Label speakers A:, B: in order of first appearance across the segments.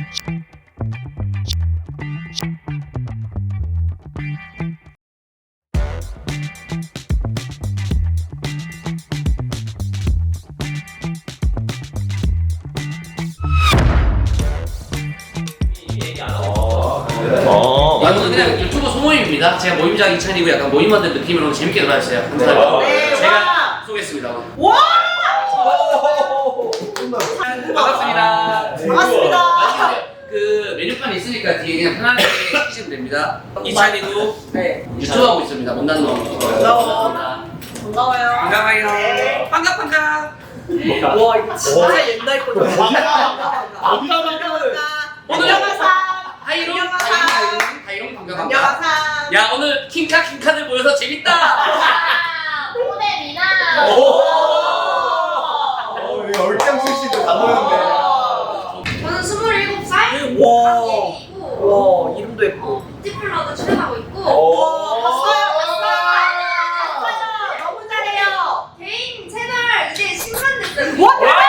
A: 이거는 그냥 유튜브 소모임입니다. 제가 모임장 이찬이고 약간 모임 만든 느낌으로 재밌게 놀아주세요. 감사합니다. 제가 쏘겠습니다.
B: 와!
A: 반갑습니다.
B: 반갑습니다.
A: 그 메뉴판이 있으니까 뒤에 그냥 편하게 시키시면 됩니다. 이찬이도 유튜브 하고 있습니다. 못난 놈. 반갑습니다.
B: 반가워요.
A: 반가워요.
B: 네.
A: 반갑.
B: 와 이거 진짜 옛날 거다.
A: 오늘 하이롱 반갑습니다.
B: 안녕하세요.
A: 야 오늘 킹카들 모여서 재밌다.
C: 호대미나.
D: 얼짱 출신들 다 모였는데.
C: 저는 27살.
B: 와 이름도 예뻐.
C: 뷰티플러도 출연하고 있고.
B: 봤어요.
C: 너무 잘해요. 개인 채널 이제 10만 됐어요.
B: 와!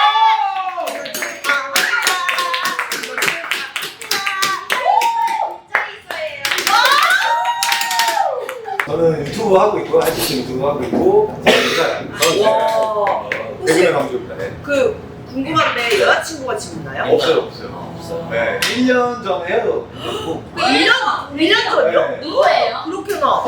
D: 저는 유튜브 하고 있고, 한식 유튜브 하고 있고,
B: 와.
D: 대구의 강조입니다. 네.
B: 그 궁금한데 여자친구가 지금 있나요?
D: 없어요. 네, 1년 전에 헤어졌고.
B: 1년 전이요?
D: 네.
C: 누구예요?
B: 그렇구나.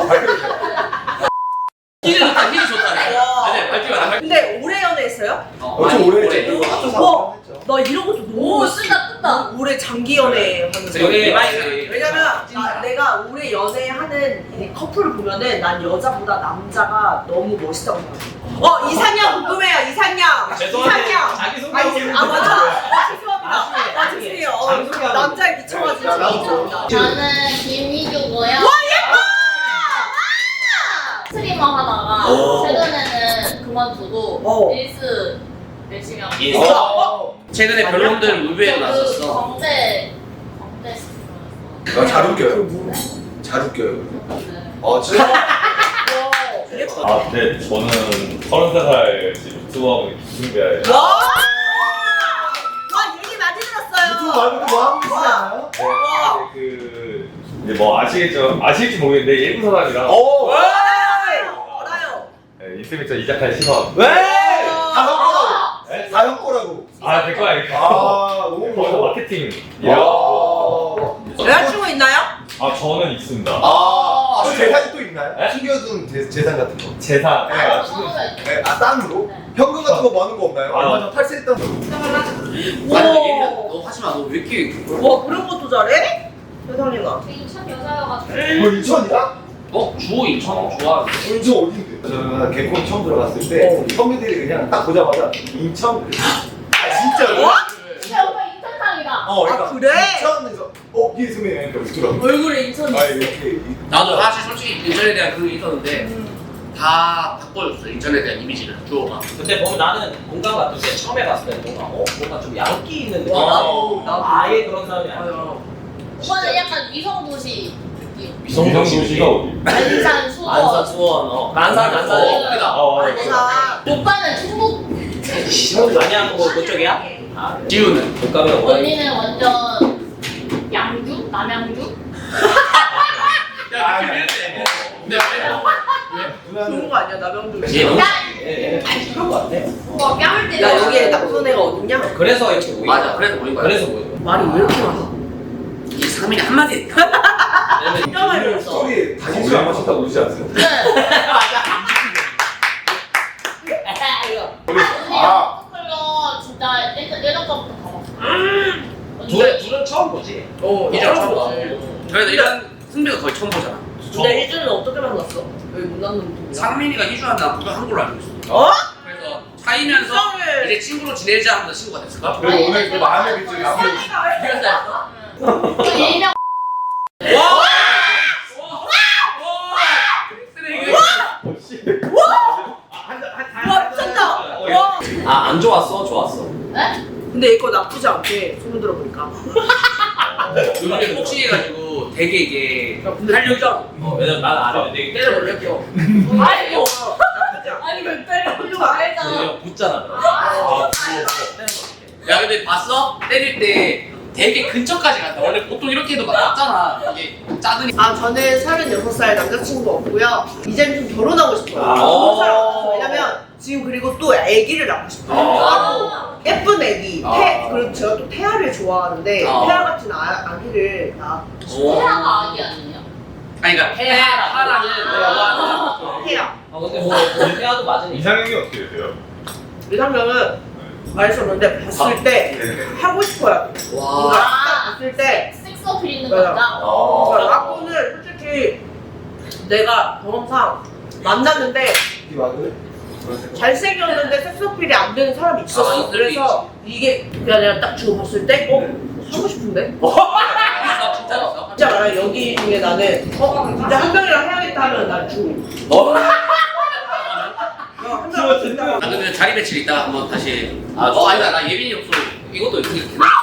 A: 힐이 좋다.
B: 와.
A: 네, 밝히면 안 밝히면.
B: 근데 오래 연애했어요?
D: 엄청 오래 했죠. 합쳐서
B: 와.
D: 했죠.
B: 나 이런 것도 너무
C: 뜬다.
B: 오래 장기 연애 하는 거.
A: 여기
B: 왜냐면 내가 오래 연애하는 이 커플을 보면은 난 여자보다 남자가 너무 멋있다고 생각해. 이상형 궁금해요. 이상형.
E: 죄송한데
B: 이상형.
E: 자기소개하고
B: 아 맞아. 죄송합니다. 죄송해요. 남자에 미쳐가지고 죄송합니다.
C: 저는 김희주고요. 스트리머 하다가 최근에는 그만두고 릴스 열심히 하고 있어요.
A: 최근에 별놈들 무비에 나왔었어.
C: 광대 스트리머였어.
D: 잘 웃겨요. 잘 웃겨요. 진짜?
E: 네, 저는 33살 지금 유튜브하고 있는 김승배예요.
B: 와 얘기 많이 들었어요.
D: 유튜브 말고도 뭐 하고 있잖아요.
E: 이제 뭐 아실지 모르겠는데 예쁜 사람이랑
B: 알아요.
E: 인스미터 이자카야 시선.
D: 왜?
E: 네?
D: 다형거라고.
E: 될거 알겠어.
D: 너무
E: 거기서
D: 좋아.
E: 마케팅.
B: 여자친구 있나요?
E: 저는 있습니다.
D: 또 재산이 또 있나요?
E: 네?
D: 숨겨둔 재산 같은 거.
E: 재산.
D: 네, 딴으로? 현금 같은 거 많은 거 없나요? 얼마 전 탈세했던 거.
A: 아니 얘는 너 하지 마. 너 왜 이렇게
B: 와 그런 것도 잘해? 세상에나.
C: 인천 여자여가지고.
D: 뭐 인천이야?
A: 주호 인천 좋아.
D: 인천 어딘데? 저는 개콘 처음 들어갔을 때 선배들이 그냥 딱 보자마자 인천. 진짜로?
C: 진짜 오빠 인천상이다.
D: 그러니까
B: 그래?
D: 인천에서 이승민이 이렇게 들어.
B: 얼굴에 인천이 있어.
D: 이렇게.
A: 나도 사실 솔직히 인천에 대한 그게 있었는데 다 바꿔줬어. 인천에 대한 이미지를 주호가.
F: 근데 보면 나는 공감 같은 게 처음에 봤을 때 뭔가 좀 양기 있는 느낌.
B: 나도.
F: 아예 그런 사람이 아니야.
C: 오빠는 약간 위성도시 느낌.
E: 위성도시가 어디?
C: 안산 수원.
F: 안산 수원. 난산
A: 거기다.
B: 맞아.
C: 오빠는 충북.
F: 안양 그쪽이야?
A: 지우는.
F: 못 가면 오라.
C: 언니는 완전 양주? 남양주?
A: 야 느낌 이랬대.
B: 좋은 거 아니야 나병도.
A: 얘 너무.
F: 얘는 다 그런 거 같아.
C: 오빠 뺨을 때려.
B: 야 여기에 나쁜 애가 어딨냐?
F: 그래서 이렇게 모인
A: 맞아.
F: 거야.
A: 그래서 모인 거야.
F: 그래서 모인 거야.
B: 말이 왜 이렇게 많아?
A: 이 상민이 한마디 했다.
B: 진짜 많이 들었어.
D: 소리 다시 술안 마셨다고 그러지 않았어요?
C: 네. 커플러 진짜 예전부터 가봤어.
F: 둘은 처음 보지.
A: 이제 처음 봐. 그래서 이런 승배가 거의 처음 보잖아.
B: 근데 일주는 어떻게 만났어? 여기 못난 놈.
A: 상민이가 희주한 남편 한 걸로 알고 있어. 그래서 사이면서
B: 이상해.
A: 이제 친구로 지내자 하면서 친구가 됐을까?
D: 그리고 오늘 그 마음의 빛을 남겨.
A: 그래서
C: 그 일명
B: 와 미쳤다. 와.
F: 안 좋았어? 좋았어?
C: 네?
B: 근데 이거 나쁘지 않게 소문 들어보니까.
A: 요즘에 복싱해가지고 되게 이게 활력이
F: 왜냐면 난 알아. 되게
A: 때려버려.
C: 아이고 아니 왜 때려 좀 알잖아.
F: 그냥 붙잖아.
A: 야 근데 봤어? 때릴 때 되게 근처까지 간다. 원래 보통 이렇게 해도 맞잖아. 이게 짜드니.
B: 아 저는 36살 남자친구 없고요. 이제는 좀 결혼하고 싶어요.
D: 아.
B: 왜냐면 지금 그리고 또 아기를 낳고 싶어요.
C: 아.
B: 예쁜 아기.
A: 아.
B: 그리고 제가 또 태아를 좋아하는데
A: 아.
B: 태아 같은 아기를 낳고
C: 태아가 아기 아니에요?
A: 아니 그러니까 태아라는
B: 태아.
F: 근데 뭐 태아도 맞으니까.
E: 이상형이 어떻게 되세요?
B: 이상형은 말했었는데 봤을 때 하고 싶어요.
A: 와.
B: 뭔가 딱 봤을 때
C: 섹스 어필 있는
B: 맞아.
C: 남자?
B: 그러니까 라코는 솔직히 내가 경험상 만났는데 잘생겼는데 섹스 어필이 안 되는 사람이 있었어.
A: 아,
B: 그래서 이게 그냥 내가 딱 주고 봤을 때 하고 싶은데?
A: 있어 진짜 있어.
B: 진짜 말해 여기 중에 나는 진짜 한 명이랑 해야겠다 하면 난 주. 한 명이랑 진짜.
A: 나 근데 자리 배치를 이따가 한번 다시.
F: 아,
A: 아니다 나 예빈이 없어. 이것도 이렇게.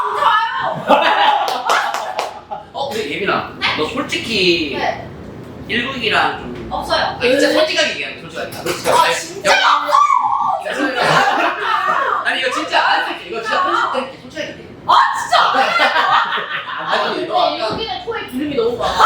A: 근데 예빈아, 너 솔직히
C: 네.
A: 1국이랑 좀.
C: 없어요.
A: 진짜 솔직하게 얘기하면 솔직하게.
C: 아 진짜?
A: 아니 이거 진짜 안 할게. 이거 진짜 편집될게 솔직하게 얘기해.
C: 아 진짜?
A: 아니 너
C: 근데
A: 아까
C: 여기는 코에 기름이 너무 많아.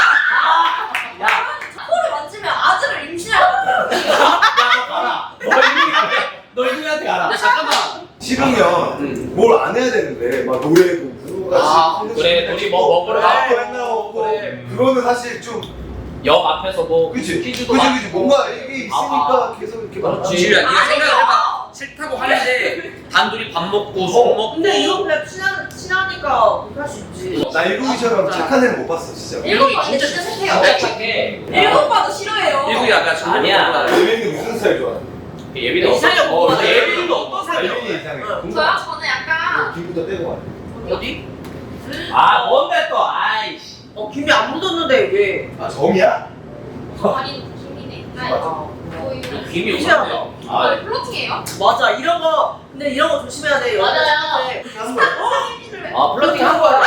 C: 코를 만지면 아들을 임신할 것 같아.
F: 너 이분한테 가라.
A: 야 잠깐만.
D: 싫으면 뭘 안 해야 되는데 막 노래도
A: 아,
D: 부르같이
F: 그래, 둘이 뭐 먹으러 가고
D: 맨날 오고
F: 그래.
D: 그거는 사실 좀
F: 역 앞에서 뭐
D: 그치
F: 퀴즈도
D: 그치
F: 받고.
D: 그치 뭔가 이게 있으니까 계속 이렇게 막
F: 그렇지.
A: 지유야 네가 생각을 해봐. 싫다고 하는데 단둘이 밥 먹고 술 먹고.
B: 근데 이건 그냥 친하니까 할 수 있지.
D: 나 일국이처럼 착한 애는 못 봤어 진짜.
A: 일국이
C: 근데
A: 진짜
C: 진짜
A: 싫어.
C: 착해요.
F: 진짜 착해.
C: 일곱 봐도 싫어해요.
A: 일국이 아까 저
F: 아니야.
D: 예민이 무슨 스타일 좋아해?
F: 예빈이
B: 이상형
F: 어떤-
B: 뭐가
F: 예빈이도 어떤 스타일이야?
D: 예민이 이상해.
C: 저요? 저는 약간
D: 김부터 떼고 와.
B: 어디?
F: 아 뭔데 또 아이씨.
B: 김이 안 묻었는데 왜?
D: 아 정이야?
C: 아니 김이네. 아니 거의
A: 김이
B: 이상하다.
A: 없는데.
F: 아
C: 플로팅이에요?
B: 맞아 이런 거 근데 이런 거 조심해야 돼.
C: 맞아요.
B: 그런 거.
F: 아 플러팅 한 거야.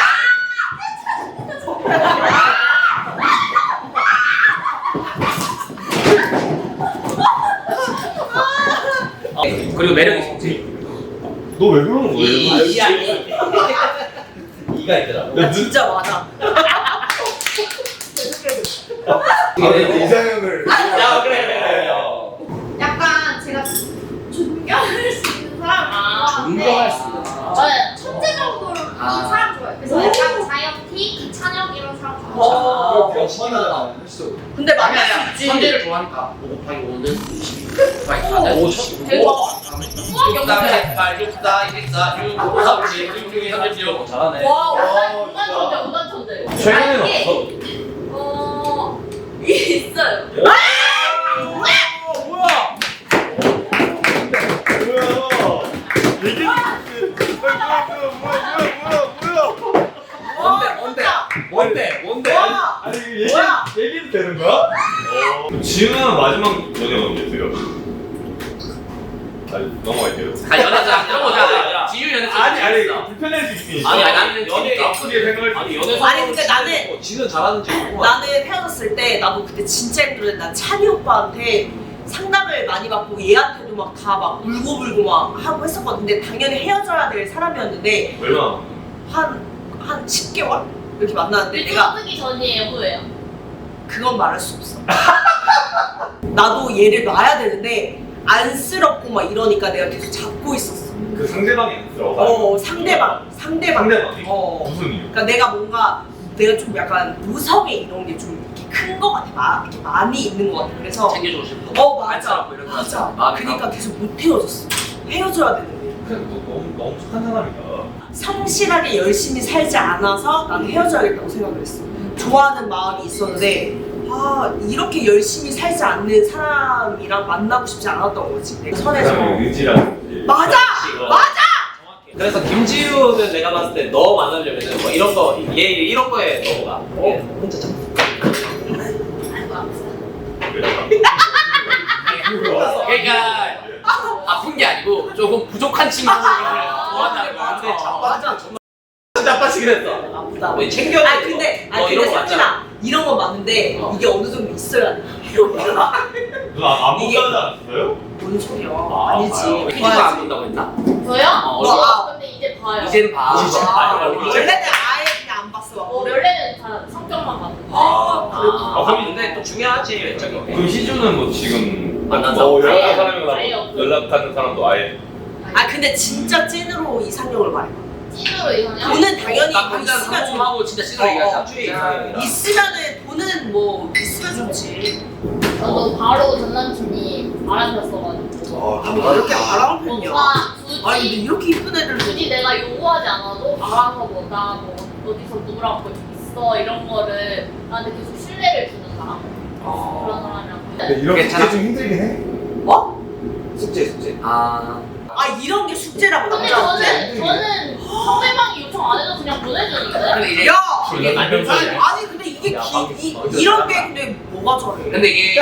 A: 그리고 매력 있었지.
E: 너 왜 그러는 거야?
F: 이야 이가 있더라고.
B: 나 진짜 많아.
D: 아 근데 이상형을
F: 야 그래.
C: 약간 제가 존경할 수 있는 사람.
A: 존경할 수 있는
C: 사람. 천재 정도로 이 사람 좋아해요. 그래서 약간 자이언티, 이찬혁 이런 사람 좋아해요.
B: 어.
D: 역만하다. 진짜.
B: 근데
A: 아니
B: 만날 수
A: 아니야.
B: 있지.
A: 천재를 좋아하니까 5 곱하기 5는 5 곱하기 4는
C: 대박.
A: 6, 3, 8, 6, 4, 1, 4, 6, 5, 3, 7, 6, 6, 3, 7, 6.
F: 잘하네.
C: 와,
D: 어,
C: 운단 천재, 운단 천재.
E: 최근에는
C: 이게,
E: 없어.
C: 이게 있어요.
F: 뭔데?
B: 와.
D: 아니
B: 뭐야?
D: 얘기도 되는 거야?
E: 지우는 마지막 연애가 언제세요? 넘어갈게요.
A: 연애자 이런 거잖아. 지유 연애자.
E: 불편할 수 있으니까.
A: 아니, 나는
F: 연애
E: 나쁘게 생각할 수
F: 아니
E: 있어.
F: 연애
B: 아니, 근데 나는-
F: 지는 잘하는지 궁금해.
B: 나는 헤어졌을 때 나도 그때 진짜 힘들었는데 난 찬이 오빠한테 상담을 많이 받고 얘한테도 막 다 막 울고불고 막 하고 했었거든. 근데 당연히 헤어져야 될 사람이었는데
E: 얼마나?
B: 한 10개월? 이렇게 만났는데
C: 근데
B: 내가
C: 뜨기 전이에요, 후예요?
B: 그건 말할 수 없어. 나도 얘를 놔야 되는데 안쓰럽고 막 이러니까 내가 계속 잡고 있었어.
E: 그 상대방이 안 들어가.
B: 상대방.
E: 상대방이?
B: 어.
E: 무슨 이유?
B: 그러니까 내가 좀 약간 무성애 이런 게 좀 이렇게 큰 거 같아. 이렇게 많이 있는 거 같아. 그래서
A: 챙겨주고 싶어.
B: 맞아.
A: 안쓰럽고 이런 거.
B: 맞아.
A: 마음이
B: 그러니까
A: 가고.
B: 계속 못 헤어졌어. 헤어져야 되는데.
E: 그냥 너 너무 착한 사람이다.
B: 성실하게 열심히 살지 않아서 나는 헤어져야겠다고 생각을 했어. 좋아하는 마음이 있었는데 이렇게 열심히 살지 않는 사람이랑 만나고 싶지 않았던 거지. 내가 선에서.
E: 의지라든지.
B: 맞아! 맞아!
F: 그래서 김지우는 내가 봤을 때 너 만나려면은 뭐 이런 거 얘 이런 거에 넘어가. 혼자 참.
A: 그러니까 아픈 게 아니고 조금 부족한 친구를 좋아한다는 거야.
F: 근데
B: 맞아.
F: 진짜 빠지긴 했어.
B: 아프다.
F: 뭐 챙겨야 돼.
B: 근데
F: 이런 거 맞잖아.
B: 상진아 이런 건 맞는데 이게 어느 정도 있어야 돼.
E: 누나 안
B: 이게-
E: 본다지 않았어요?
B: 뭔 소리야?
F: 아,
B: 아니지.
A: 피디가 안 본다고 했나?
C: 저요?
A: 얼굴.
C: 근데 이제 봐요.
A: 이젠 봐.
F: 이젠 봐요.
B: 원래는
F: 제일 외적인 게.
E: 그럼 희주는 뭐 지금
F: 만난
E: 뭐
F: 사람
E: 연락하는
C: 아예
E: 사람이나
C: 없어요.
E: 연락하는 사람도 아예
B: 아 근데 진짜 찐으로 이상형을 말해.
C: 찐으로 이상형?
B: 돈은 당연히
A: 딱
B: 뭐
A: 혼자
B: 있으면 좋
A: 상품하고 진짜 찐으로 얘기하자.
F: 주의 이상형이다.
B: 있으면은 돈은 뭐 있으면 좋지.
C: 저도 바로 전 남친이 알아들었어가지고.
B: 뭐 이렇게 바라는 편이야.
C: 오빠
B: 아니 근데
C: 굳이
B: 이렇게 이쁜 애들
C: 굳이 내가 요구하지 않아도 알아서 뭐나 뭐 어디서 누구랑 뭐 있어 이런 거를 나한테 계속 신뢰를 주는 사람 그런 사람이랑.
D: 근데 이런 게
A: 괜찮아?
D: 좀 힘들긴 해.
B: 뭐?
F: 숙제.
A: 아.
B: 아 이런 게 숙제라고
C: 근데
B: 남자한테.
C: 저는 상대방이 요청 안 해도 그냥 보내주는데.
A: 근데 이제
B: 야!
A: 이게
F: 맞는 소리야.
B: 아니 근데 이게
F: 야, 방금
B: 이런 게 근데 뭐가 저래?
A: 근데 이게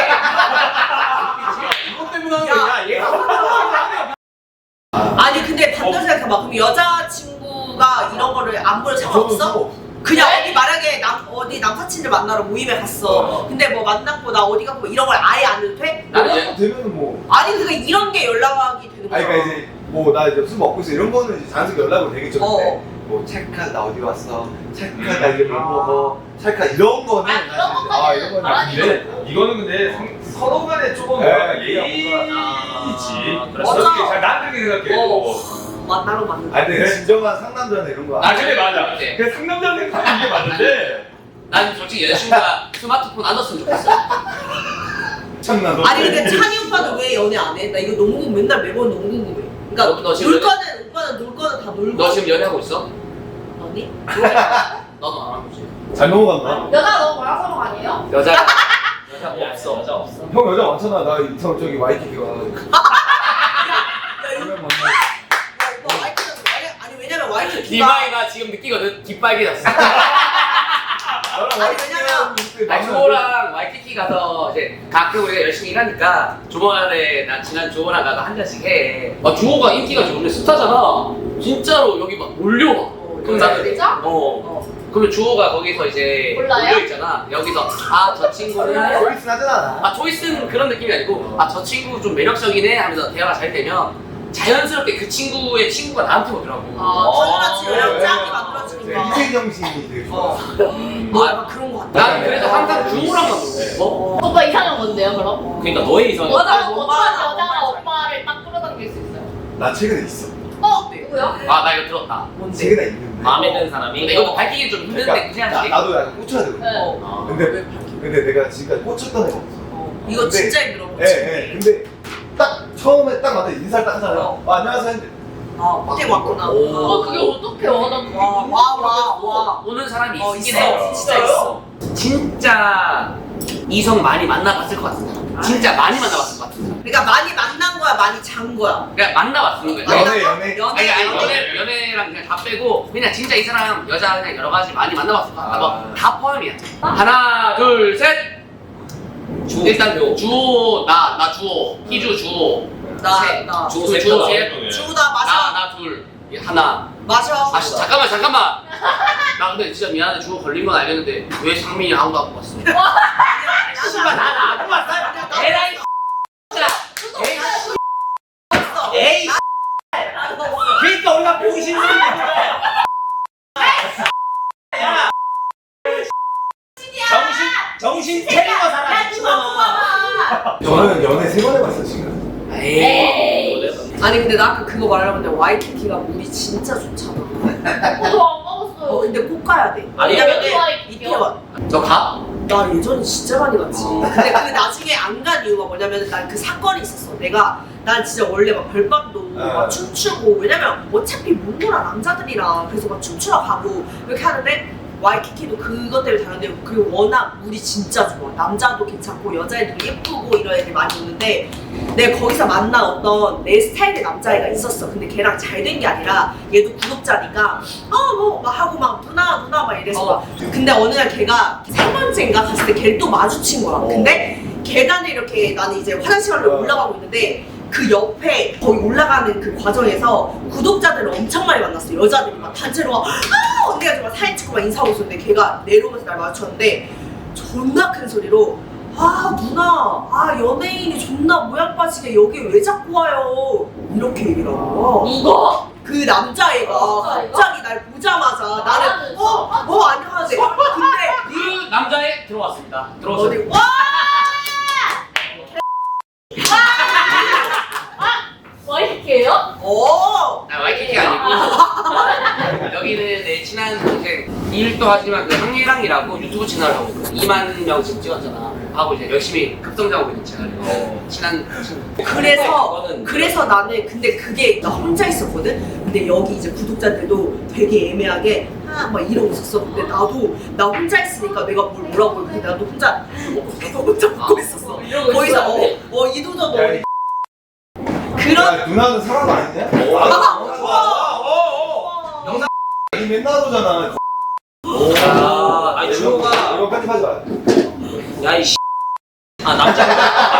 F: 이것 때문에 하는 거야. 얘가
B: 아니 근데 반대로 생각해봐. 그럼 여자친구가 이런 거를 안 볼
D: 저는
B: 상관없어?
D: 상관없어.
B: 그냥 어디 만약에 어디 남사친을 만나러 모임에 갔어. 근데 뭐 만났고 나 어디 가고 이런 걸 아예 안 해도 돼?
A: 나는 이제
D: 되면은 뭐.
B: 아니 그러니까 이런 게 연락이 되는 거야.
D: 아니 그러니까 이제 뭐 나 이제 술 먹고 있어 이런 거는 이제 자연스럽게 연락을 되겠죠. 근데
B: 어.
D: 뭐 찰칵 나 어디 왔어? 찰칵 나 이제 뭐 먹어? 찰칵 이런 거는
C: 아, 그런
D: 사실
C: 것까지는
D: 이런 거는
C: 말하지
E: 근데 이거는 근데 서로 간에 조금
D: 네,
E: 예의지.
F: 그렇죠.
E: 어떻게 잘 나한테 생각해.
B: 만나러 맞는
D: 아니 근데 진정한 상남자는 이런 거
E: 아 근데 맞아.
A: 그래.
E: 그 상남자 생각하는 이게 맞는데.
A: 난 솔직히 여자친구가 스마트폰 안 줬으면 좋겠어.
D: 참나.
B: 아니 근데 찬이 오빠는 왜 연애 안 해? 나 이거 너무 맨날 매번 너무 궁금해. 그러니까
A: 너 지금
B: 놀 거는 오빠는 놀 거는 다 놀고.
A: 너 지금 연애하고 있어?
B: 아니?
A: 너도 안 하고 있지.
D: 잘 넘어간다.
C: 여자 너무 말하는 아니에요?
A: 여자가
F: 여자 없어. 여자 없어.
D: 형 여자 많잖아. 나 이성 저기 와이키키 가가지고. 그러면 만나.
B: 오빠 와이프는 아니 왜냐면 와이프
A: 디마이가 지금 느끼거든. 깃발기졌어.
B: 아니 왜냐면
A: 아니 주호랑 와이키키 가서 이제 가끔 우리가 열심히 일하니까 주말에 나 지난 주호랑 나도 한 잔씩 해. 아 주호가 인기가 좋은데 스타잖아. 진짜로 여기 막 몰려와. 그럼 나는
C: 진짜?
A: 그러면 주호가 거기서 이제
C: 몰라요?
A: 몰려 있잖아. 여기서 아 저 친구는
D: 초이스 하잖아.
A: 아 초이스는 그런 느낌이 아니고 아 저 친구 좀 매력적이네 하면서 대화가 잘 되면 자연스럽게 그 친구의 친구가 나한테 오더라고.
B: 당연하지
D: 네,
B: 연락
D: 네.
B: 짱이 만들어지니까.
D: 희생정신이 되게 좋아.
B: 아 약간 그런 거 같다.
A: 난 그래서 항상 주호랑만 놀고.
C: 오빠 이상형 뭔데요 그럼?
F: 그러니까 너의 이성이.
C: 어떤
B: 뭔
C: 어떤
B: 말이야,
C: 여자가
B: 뭔
C: 오빠를 딱 끌어당길 수 있어요?
D: 나 최근에 있어.
C: 누구요?
A: 아 나 이거 들었다.
B: 뭔데?
D: 최근에 있는데.
F: 마음에 드는 사람이.
A: 근데 이것도 밝히기 좀 힘든데 그냥 지
D: 나도 약간 꽂혀야 되거든.
C: 네.
F: 아.
D: 근데 내가 지금까지 꽂혔던 애가 없어.
B: 이거
D: 근데-
B: 진짜 힘들어.
D: 예. 근데 딱 처음에 딱 만나 인사를 딱 하잖아요. 안녕하세요. 했는데
B: 아 호텔 왔구나.
C: 그게 어떻게 와? 나 그게
B: 와.
A: 오는 사람이 있긴
B: 있어.
A: 해.
B: 진짜 있어.
A: 진짜 이성 많이 만나봤을 것 같은 사람. 진짜 많이 만나봤을 것 같은 사람.
B: 그러니까 많이 만난 거야, 많이 잔 거야.
A: 그러니까 만나봤는 거야.
D: 연애.
A: 연애랑 그냥 다 빼고 그냥 진짜 이 사람 여자 그냥 여러 가지 많이 만나봤을 것 같아.
D: 아.
A: 뭐 다 포함이야. 하나 둘 셋. 일단 주호 나 주호 희주 주호 셋.
B: 나
A: 주호
F: 셋.
A: 셋.
B: 주다 마셔.
A: 나 둘 하나.
B: 마셔.
A: 아 잠깐만. 나 근데 진짜 미안해 주호 걸린 건 알겠는데 왜 상민이 아무도 안 봤어?
B: 씨발
F: 나안 봤어. 에라이. 에이. 그러니까 우리가 보기 싫은 거야. 야. 정신 차리고 살아 미친놈아.
D: 저는 연애 3번 해봤어 지금.
C: 에이.
B: 아니 근데 나 아까 그거 말하려고 했는데 와이키키가 물이 진짜 좋잖아.
C: 저안 먹었어요.
B: 근데 꼭 가야 돼.
F: 아니,
B: 왜냐면은
C: 근데-
B: 이태원.
A: 너 가?
B: 나 예전에 진짜 많이 갔지. 근데 그 나중에 안 간 이유가 뭐냐면 난 그 사건이 있었어. 난 진짜 원래 막 별밤도 막 춤추고 왜냐면 어차피 못 놀아 남자들이랑 그래서 막 춤추러 가고 이렇게 하는데 와이키키도 그것 때문에 다른데 그리고 워낙 물이 진짜 좋아. 남자도 괜찮고 여자애들도 예쁘고 이런 애들이 많이 오는데 내가 거기서 만난 어떤 내 스타일의 남자애가 있었어. 근데 걔랑 잘 된 게 아니라 얘도 구독자니까 뭐 막 하고 막 누나 막 이래서 막 근데 어느 날 걔가 3번째인가 갔을 때 걔를 또 마주친 거야. 근데 계단을 이렇게 나는 이제 화장실 가려고 올라가고 있는데 그 옆에 거기 올라가는 그 과정에서 구독자들을 엄청 많이 만났어. 여자들이 막 단체로 막 언니가 정말 사진 찍고 막 인사하고 있었는데 걔가 내려오면서 날 마주쳤는데 존나 큰 소리로 아 누나 연예인이 존나 모양 빠지게 여기 왜 자꾸 와요 이렇게 얘기를 하고
C: 누가?
B: 그 남자애가
C: 남자애가?
B: 갑자기 날 보자마자 나는 안녕하세요 근데
A: 그 남자애 들어왔습니다.
B: 어디
A: 들어오세요.
B: 와
A: 내 친한 동생 일도 하지만 그 항리랑이라고 유튜브 채널 하고 있거든. 2만 명 지금 찍었잖아. 하고 이제 열심히 급성장하고 있는 채널. 친한 친구.
B: 그래서 나는 근데 그게 나 혼자 있었거든. 근데 여기 이제 구독자들도 되게 애매하게 막 이러고 있었어. 근데 나도 나 혼자 있으니까 내가 뭐라고 해. 근데 나도 혼자 먹고 있었어.
C: 이러고
B: 거기서
C: 있었는데?
B: 이도저도
D: 야,
B: 그런
D: 야, 누나는 사람 아니냐? 영상 맨날 오잖아.
F: 아니 주호가
D: 이거 편집하지 마.
F: 야이 남자가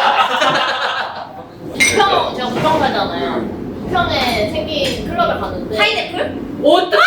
C: 부평 제가 부평 살잖아요. 부평에 생긴 클럽을 갔는데
B: 파인애플?
C: 어떡해?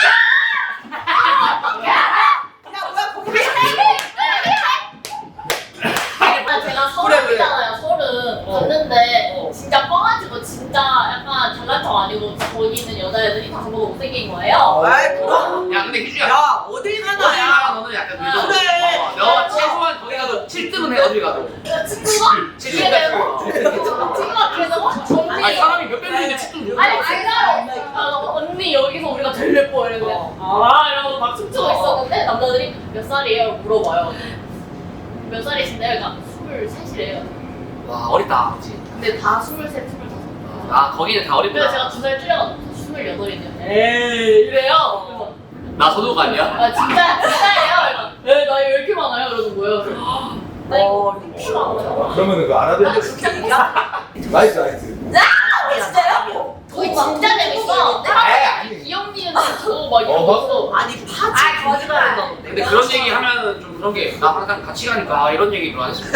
C: 제가 서울이잖아요. 서울은 갔는데 진짜 뻥가지고 진짜 약간 잘난 척 아니고 거기는 여자애들이 다 저보고 못생긴 거예요.
B: 아이 그럼
A: 야 근데 규주야.
B: 야 어딜
A: 어딜
B: 가나
A: 가나 너는 약간 늦어.
B: 그래.
A: 너 최소한 거기 가도 7등은 해 어딜 가도.
C: 친구가?
A: 칠등
C: 이게
A: 됐어.
C: 친구가 그래서 언니
A: 아니 사람이 몇 명인데 7등.
C: 아니 진짜로 언니 여기서 우리가 제일 예뻐 이랬는데 이러고 막 춤추고 있었는데 남자들이 몇 살이에요? 물어봐요. 몇 살이신데요? 그러니까 23이래요.
A: 와 어리다. 그치?
C: 근데 다 23, 25.
A: 아 거기는 다
C: 그래서 제가
A: 어리구나.
C: 2살 줄여가지고 28이네요. 에이 이래요. 그래서
A: 나 서도가 아니야?
C: 아 진짜예요? 네 나이 왜 이렇게 많아요? 이러는 거예요. 그래서 나 이거 키 많아요.
D: 그러면은 그 아라비아
B: 그렇게 얘기야?
D: 나이스 나이스.
B: 진짜요?
C: 거기 진짜 재밌어.
D: 아니.
C: 귀염 니은 저거 막 이러고 있어.
B: 아니 파지 거짓말
A: 근데 그런 얘기 하면 좀 그런 게 나 항상 같이 가니까 이런 얘기를 안 했으면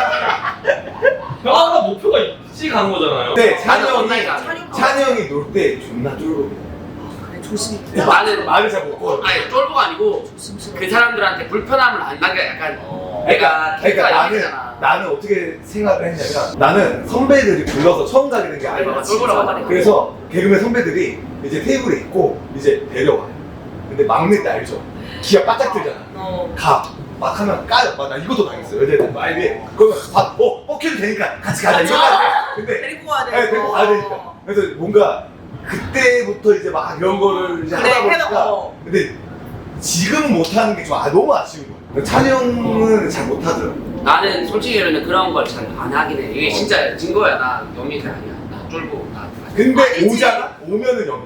E: 형아가 목표가 있지 가는 거잖아요.
D: 근데 찬이
A: 나는
D: 형이
A: 온라인
D: 찬이 형이 놀 때 존나 쫄고.
B: 조심히
A: 나는
D: 말을 잘 못 걸어.
A: 아니 쫄보가 아니고 그 사람들한테 불편함을 안 나게 약간 내가
D: 그러니까
A: 얘기잖아.
D: 나는 어떻게 생각을 했냐면 나는 선배들이 불러서 처음 가게 된 게 아니야.
A: 쫄보라고 하니까.
D: 그래서 개그맨 선배들이 이제 테이블에 있고 이제 데려와요. 근데 막내 때 알죠? 기가 바짝 들잖아. 가. 막 하면 까요. 막 나 이것도 당했어. 여자애들 말에. 그러면 뻑해도 되니까 같이 가자. 이거 근데
B: 데리고 가야 돼.
D: 네, 데리고 가야 되니까. 그래서 뭔가 그때부터 이제 막 이런 거를 이제
B: 그래,
D: 하다 보니까
B: 해놓고.
D: 근데 지금 못하는 게 좀 너무 아쉬운 거야. 찬이 형은 잘 못하더라고.
A: 나는 솔직히 말하면 그런 걸 잘 안 하긴 해. 이게 진짜 증거야. 나 영민이 아니야. 나 쫄보. 나
D: 근데
B: 아니지.
D: 오잖아? 오면은 영이.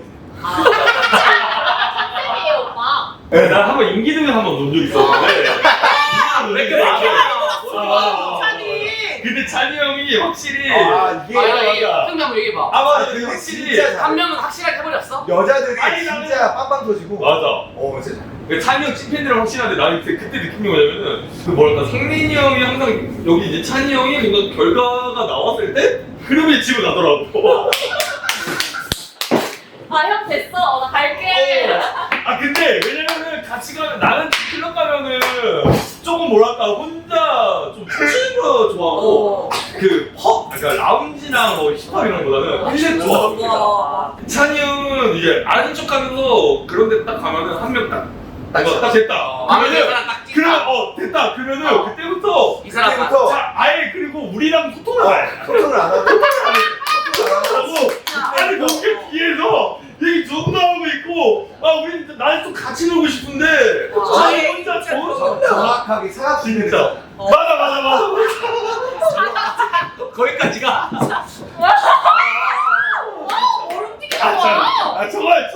C: 쌤이에요 오빠.
E: 네, 난 한번 임기등을 한번 논 적이 있었는데
A: 왜 이렇게
E: 아,
B: 찬이.
E: 근데 찬이 형이 확실히
D: 아 이게
A: 맞아. 한명 한번 얘기해봐.
E: 아 맞아
D: 근데
E: 확실히
D: 진짜 잘해.
A: 한 명은 확실하게 해버렸어?
D: 여자들이
E: 아니,
D: 진짜 빵빵 터지고.
E: 맞아.
D: 진짜 잘해.
E: 그 찬이 형 찐팬들은 확실한데 나는 그때 느낀 게 뭐냐면은 그 뭐랄까 성민이 형이 항상 여기 이제 찬이 형이 뭔가 결과가 나왔을 때 그러면 집에 가더라고.
C: 아 형 됐어. 나 갈게.
E: 아 근데 왜냐면은 같이 가면 나는 클럽 가면은 조금 뭐랄까 혼자 좀 춤추는 거 좋아하고 그 펍, 그러니까 라운지나 뭐 힙합 이런 거보다는 클럽 좋아합니다.
B: 와.
E: 찬이 형은 이제 아는 척하면서 그런 데 딱 가면은 한 명 딱 됐다.
A: 마음에
E: 그러면은
A: 드는 사람 딱
E: 그러면
A: 찍다.
E: 됐다. 그러면은 그때부터
A: 이 사람 봐.
D: 그때부터
E: 자 아예 그리고 우리랑 소통을 안 해.
D: 소통을 안 하고.
E: 하고 아니 거기 뒤에서 얘기 존나 하고 있고 아 우리 나는 좀 같이 놀고 싶은데
B: 아니,
E: 혼자
D: 정확하게 사각지대에서.
E: 진짜 맞아
A: 거기까지가.
C: 얼음튀기 좋아.
E: 아 정말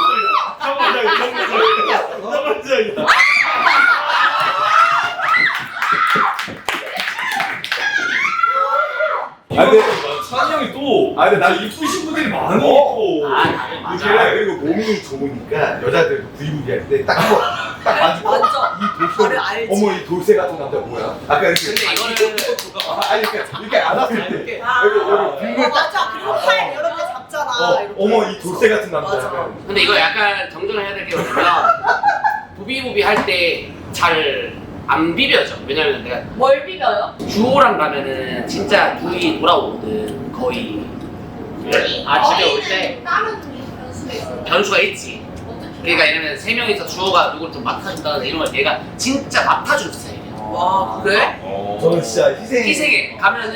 E: 정말이다.
D: 아, 근데-
E: 찬이 형이 또
D: 아, 근데 나
E: 이쁘신 분들이 많이 있고
D: 그리고 몸이 좋으니까 여자들 부리부리 할 때 딱 한번 딱 만지고
B: 완전.
D: 이 돌쇠
B: 나를 알지.
D: 어머 이 돌쇠 같은 남자 뭐야? 아까 이렇게
A: 근데 이거는
D: 아니 이렇게 안았을 때 여기 빙글
B: 맞아. 그리고 팔 이렇게 잡잖아. 이렇게.
D: 어머 이 돌쇠 같은 남자
B: 맞아.
D: 약간.
A: 근데 이거 약간 정정을 해야 될 게 뭐냐면 부비부비 할 때 잘 안 비벼져. 왜냐면 내가
C: 뭘 비벼요?
A: 주호랑 가면은 진짜 둘이 돌아오거든. 거의. 집에 올 때
C: 다른 변수가 있어요.
A: 변수가 있지. 그러니까 이러면 세 명이서 주호가 누구를 좀 맡아준다든지 이런 걸 내가 진짜 맡아주는 스타일이야.
B: 와 그래?
D: 저는 진짜 희생이
A: 희생에 가면은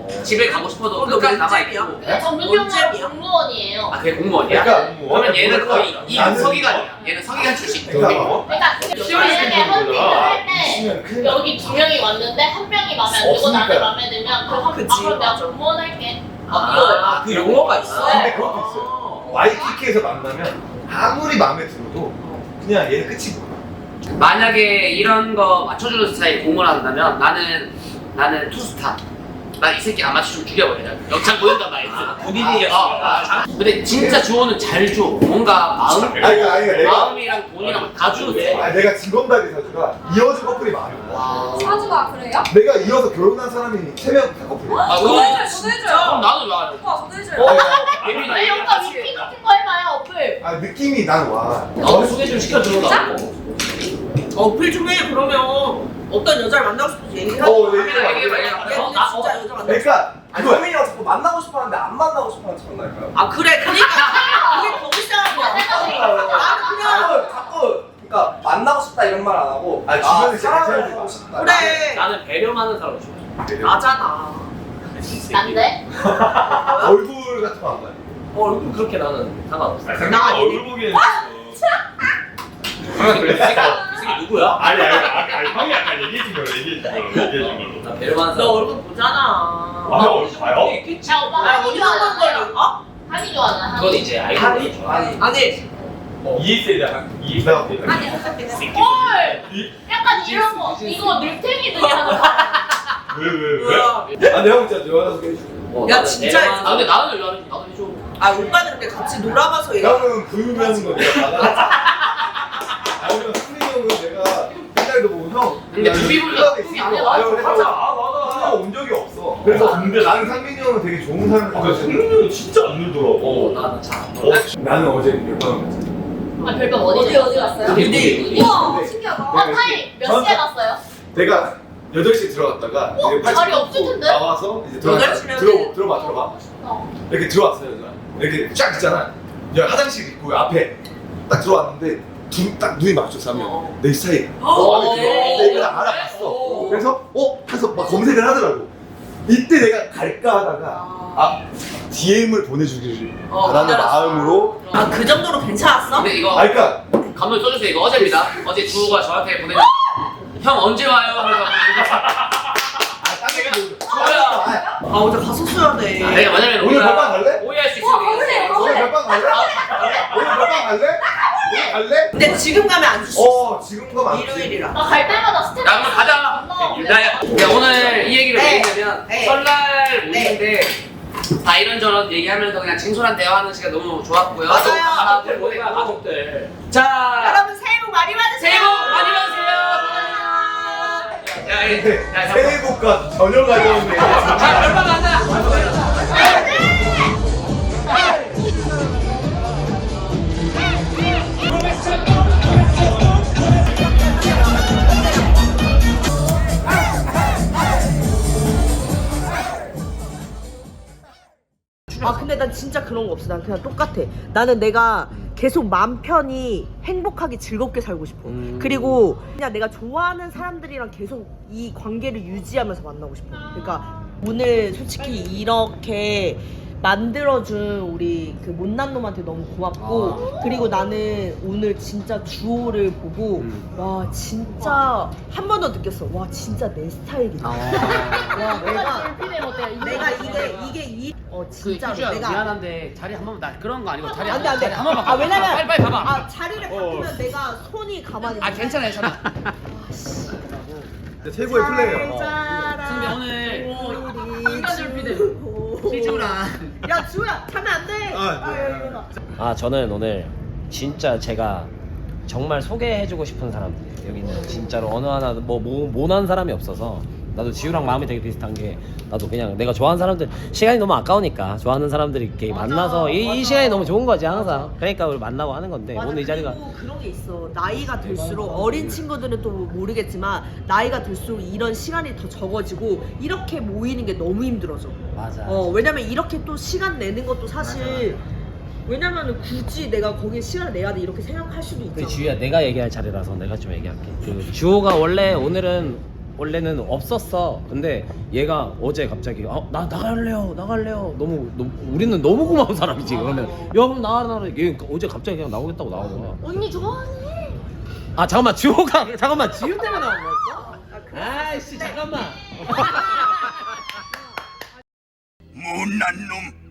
A: 집에 가고 싶어도
B: 너
A: 끝까지
B: 언제비야?
A: 남아있고.
C: 근데 정규직은
B: 언제비야?
C: 공무원이에요.
A: 아 그게 공무원이야?
D: 그러니까
A: 그러면 얘는 거의
D: 나는-
A: 서기관이야. 얘는 서기관 출신.
D: 그러니까
C: 그러니까 만약에 헌팅을 할 때 여기 2명이 왔는데 한 명이 마음에 안 들고 나는
D: 없으니까요.
C: 마음에 들면 그럼
B: 그치,
C: 그럼 내가
B: 맞아.
C: 공무원 할게.
A: 아, 그 용어가 있어.
D: 근데 그것도 있어요. 와이키키에서 만나면 아무리 마음에 들어도 그냥 얘는 끝이고.
A: 만약에 이런 거 맞춰주는 스타일 공을 한다면 나는 투스타. 난 이 새끼 안 맞추면 죽여버려. 영창 보낸단 말이야.
F: 본인이
A: 근데 진짜 주호는 잘 줘. 뭔가 마음,
D: 아니 그러니까 내가
A: 마음이랑 돈이랑 다 주는데.
D: 내가 진검다리 사주가 이어진 커플이 많아.
G: 사주가 그래요?
D: 내가 이어서 결혼한 사람이 3명 다 커플이야.
A: 아,
G: 저도
A: 그건
G: 해줘요, 저도 해줘요.
A: 그럼 나는 왜 안 해?
G: 오빠 저도 해줘요.
A: 예민해.
C: 아니 오빠 미팅 같은 거 해봐요 어플.
D: 아 느낌이 난 와.
A: 나도 소개 좀 시켜주려고.
B: 어필 좀 해. 그러면 어떤 여자를 만나고 싶은지 얘기하자.
A: 얘기해봐.
B: 얘 근데 진짜 여자 만나고 싶어.
D: 그러니까
H: 아니 성민이가 자꾸 만나고 싶어하는데 안 만나고 싶어하는 척 나니까요.
B: 아 그래 그러니까 그게 더 불쌍한 거야.
H: 자꾸 그러니까 만나고 싶다 이런 말 안 하고
D: 아, 주변에
H: 사랑을
D: 진짜
H: 하고 싶다.
B: 그래
F: 나는 배려하는 사람을 좋아해.
B: 나잖아.
C: 난데?
D: 얼굴 같은 거 안 봐요.
F: 얼굴 그렇게 나는 상관없어.
E: 아, 상대방 얼굴 보기에는
F: 이 새끼 누구야?
E: 아니 형이 약간 얘기해준 걸로.
F: 나 배려하는
B: 너
F: 사람.
B: 얼굴 보잖아.
E: 아, 얼굴 봐요?
F: 있겠지.
C: 야 오빠
B: 야
C: 한이
B: 어디 한번
C: 좋아하는
B: 걸려?
C: 거.
B: 어?
C: 한이 좋아하는
F: 그건 이제 아이돌이 좋아.
B: 아니
E: ES에 대한
D: 내가 볼게.
C: 헐! 약간 이런 거 이거 늘탱이들이 하는 거.
E: 왜?
B: 뭐야?
H: 아 내가 진짜 여자 소개해줄게.
B: 야, 진짜
A: 아 근데 나는 왜 안 해? 나도 해줘.
B: 아 오빠는 근데 같이 놀아봐서 얘기.
D: 형은 부유하는 거 내가 받아. 아니면 승민이 형은 내가 옛날에도 보고 형.
A: 근데 부비불가 그게 아니야.
D: 아유 그래서
E: 맞아.
D: 형온 적이 없어. 그래서 근데 나는 상민이 형은 되게 좋은 사람을
E: 아,
D: 가지고.
E: 성민이는 진짜 안 늘더라고.
F: 나는 잘 안
E: 어,
D: 나는 어제 몇번 갔지.
C: 아 별거 어디 갔어요?
A: 근데
G: 우와
D: 네.
G: 신기하다.
C: 타이 몇 시에 갔어요?
D: 내가 8시에 들어갔다가 이제
C: 자리 없을 텐데?
D: 나와서 이제 들어가
B: 8시면
D: 들어봐
C: 어.
D: 이렇게 들어왔어요 여자 이렇게 쫙 있잖아 이제 화장실 있고 앞에 딱 들어왔는데 딱 눈이 마주쳤어 하면 내 스타일 내가 알아봤어 그래서 해서 막 검색을 하더라고 이때 내가 갈까 하다가 DM을 보내주기를 바라는
B: 기다렸어.
D: 마음으로
B: 아 그 정도로 괜찮았어?
A: 근데 이거
D: 그러니까
A: 감독 써주세요. 이거 어제입니다. 어제 주호가 저한테 보내준 형 언제 와요? 하면서 주호야.
B: 아 어제 갔었어야 돼.
A: 내가 왜냐면
D: 오늘 별방 갈래?
A: 오해할 수 있으니까.
D: 오늘 별방 갈래? 오늘 별방 갈래? 오늘 갈래?
B: 근데 지금 가면 안 주시.
D: 지금 거 맞지?
B: 일요일이라.
C: 나 갈 때마다 스텝.
A: 야 그럼 가자. 야 오늘 이 얘기를
B: 네.
A: 왜 했냐면
B: 네.
A: 설날 모임인데 다 이런저런 얘기하면서 그냥 진솔한 대화하는 시간 너무 좋았고요.
B: 맞아요.
A: 또 가족들
F: 뭐야
A: 보내고.
F: 가족들.
A: 자
B: 여러분 새해 복 많이 받으세요.
A: 새해 복 많이 받으세요. 야,
D: 새해 복과 전혀 가져온 게
A: 자 별방 가자.
B: 아 근데 난 진짜 그런 거 없어. 난 그냥 똑같아. 나는 내가 계속 마음 편히 행복하게 즐겁게 살고 싶어. 그리고 그냥 내가 좋아하는 사람들이랑 계속 이 관계를 유지하면서 만나고 싶어. 그러니까 오늘 솔직히 이렇게 만들어준 우리 그 못난 놈한테 너무 고맙고 그리고 나는 오늘 진짜 주호를 보고 와 진짜 한 번 더 느꼈어. 와 진짜 내 스타일이다. 와 내가 이게 진짜
A: 희주야
B: 내가
A: 미안한데 자리 한 번만 나 그런 거 아니고 자리
B: 안 돼, 안 돼.
A: 한 번만
B: 아, 왜냐면
A: 빨리 가봐.
B: 아 자리를 바꾸면 내가 손이 가만히
A: 아 괜찮아 괜찮아.
D: 최고의 플레이어.
A: 근데 오늘
B: 인간들
A: 피드 희주랑
B: 야 주호야 가면 안 돼.
F: 저는 오늘 진짜 제가 정말 소개해주고 싶은 사람들 여기는 진짜로 어느 하나 뭐 모난 사람이 없어서 나도 지우랑 마음이 되게 비슷한 게 나도 그냥 내가 좋아하는 사람들 시간이 너무 아까우니까 좋아하는 사람들이 이렇게 만나서 이 시간이 너무 좋은 거지 항상. 그러니까 우리 만나고 하는 건데
B: 맞아,
F: 오늘 이 자리가
B: 그리고 그런 게 있어. 나이가 들수록 어린 친구들은 또 모르겠지만 나이가 들수록 이런 시간이 더 적어지고 이렇게 모이는 게 너무 힘들어져.
F: 맞아.
B: 왜냐면 이렇게 또 시간 내는 것도 사실 왜냐면은 굳이 내가 거기에 시간을 내야 돼 이렇게 생각할 수도 있잖아.
F: 그 주희야 내가 얘기할 자리라서 내가 좀 얘기할게. 그 주호가 원래 오늘은 원래는 없었어. 근데 얘가 어제 갑자기 나 나갈래요 너무 우리는 너무 고마운 사람이지. 그러면 야 그럼 나가라. 얘 어제 갑자기 그냥 나오겠다고 나온 거야.
C: 언니 좋아하네.
F: 아 잠깐만 지우 때문에 나온 거였어? 아이씨 잠깐만.
I: 못난 놈